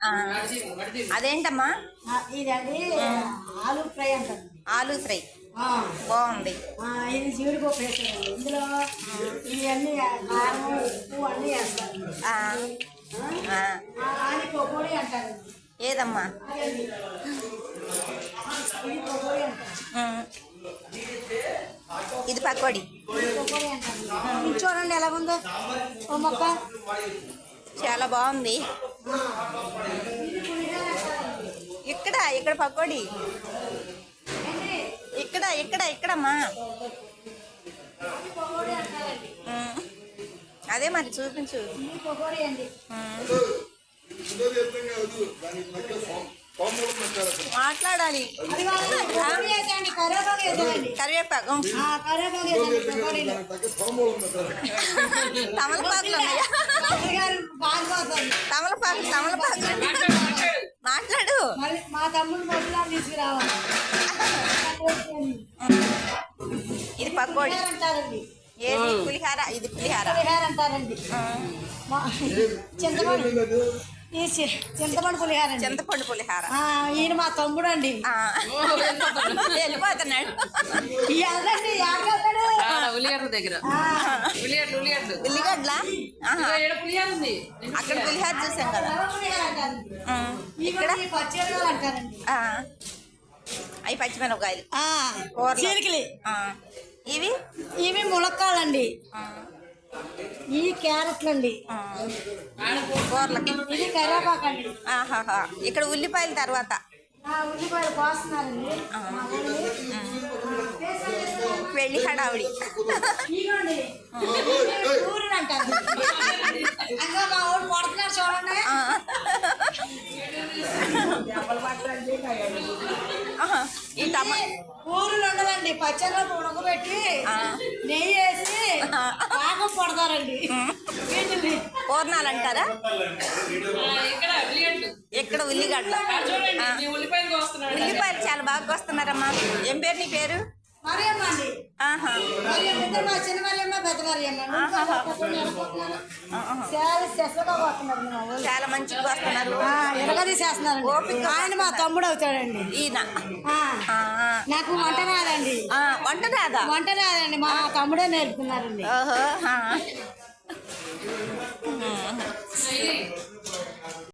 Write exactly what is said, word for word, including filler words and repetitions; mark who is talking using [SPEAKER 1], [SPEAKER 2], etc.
[SPEAKER 1] అదేంటమ్మా?
[SPEAKER 2] ఇదండి ఆలు ఫ్రై అంటారు.
[SPEAKER 1] ఆలు ఫ్రై బాగుంది.
[SPEAKER 2] ఇది జీడిపప్పు వేస్తారండి. ఇందులో ఇవన్నీ కారం ఉప్పు అన్నీ వేస్తారు. అది పకోడీ అంటారు.
[SPEAKER 1] ఏదమ్మా?
[SPEAKER 2] ఇది పకోడీ అంటారు.
[SPEAKER 1] ఇది పకోడీ.
[SPEAKER 2] పకోడీ అంటారు. ఇది చూడండి ఎలా ఉందో ఓ మొక్క.
[SPEAKER 1] చాలా బాగుంది. ఇక్కడ ఇక్కడ పకోడీ ఇక్కడ ఇక్కడ ఇక్కడమ్మా. అదే మరి చూపించు. మాట్లాడాలి. కరివేపాకు తమలపాకులు ఉన్నాయా? తమలపాకు తమలపాకు మాట్లాడు.
[SPEAKER 2] మా తమ్ముడు మొదలు తీసుకురావాలి.
[SPEAKER 1] ఇది పకోడీ
[SPEAKER 2] అంటారండి.
[SPEAKER 1] ఏది పులిహార? ఇది పులిహార
[SPEAKER 2] పులిహార అంటారండి. చింతపండు చింతపండు పులిహార.
[SPEAKER 1] చింతపండు పులిహార.
[SPEAKER 2] ఈయన మా తమ్ముడు అండి.
[SPEAKER 1] వెళ్ళిపోతున్నాడు.
[SPEAKER 3] ఉల్లిగడ్డ దగ్గర
[SPEAKER 1] ఉల్లిగడ్డ అక్కడ పులిహార చూసాం కదా. ఇక్కడ
[SPEAKER 2] అంటారండి.
[SPEAKER 1] అవి పచ్చిమిరపకాయలు
[SPEAKER 2] చీలికలి.
[SPEAKER 1] ఇవి
[SPEAKER 2] ఇవి ములక్కాలండి. ఈ క్యారెట్లు అండి.
[SPEAKER 1] కూరలకి
[SPEAKER 2] ఇది కరివేపాకు అండి.
[SPEAKER 1] ఆహాహా. ఇక్కడ ఉల్లిపాయల తర్వాత
[SPEAKER 2] ఉల్లిపాయలు కోస్తున్నారండి.
[SPEAKER 1] పెళ్లి హడావుడి.
[SPEAKER 2] ఊరిని అంటారు. మా ఊరు కొడుతున్నారు చూడండి.
[SPEAKER 1] ఈ టమా
[SPEAKER 2] ఊరులు ఉండదండి. పచ్చళ్ళు ఉడకబెట్టి నెయ్యి వేసి బాగా కొడతారండి.
[SPEAKER 1] పూర్ణాలు అంటారా? ఇక్కడ ఉల్లిగడ్డ. ఉల్లిపాయలు చాలా బాగా వస్తున్నారమ్మా. ఏం పేరు నీ పేరు?
[SPEAKER 2] మరియమ్మ అండి. మా చిన్న మరియమ్మ పెద్ద మరియమ్మ.
[SPEAKER 1] చాలా మంచిగా వస్తున్నారు.
[SPEAKER 2] ఎరగదీసేస్తున్నారు. ఆయన మా తమ్ముడు అవుతాడండి.
[SPEAKER 1] ఈయన
[SPEAKER 2] నాకు వంట రాదండి.
[SPEAKER 1] వంట రాదా?
[SPEAKER 2] వంట రాదండి. మా తమ్ముడే నేర్పుతున్నారండి.
[SPEAKER 1] ఓహో.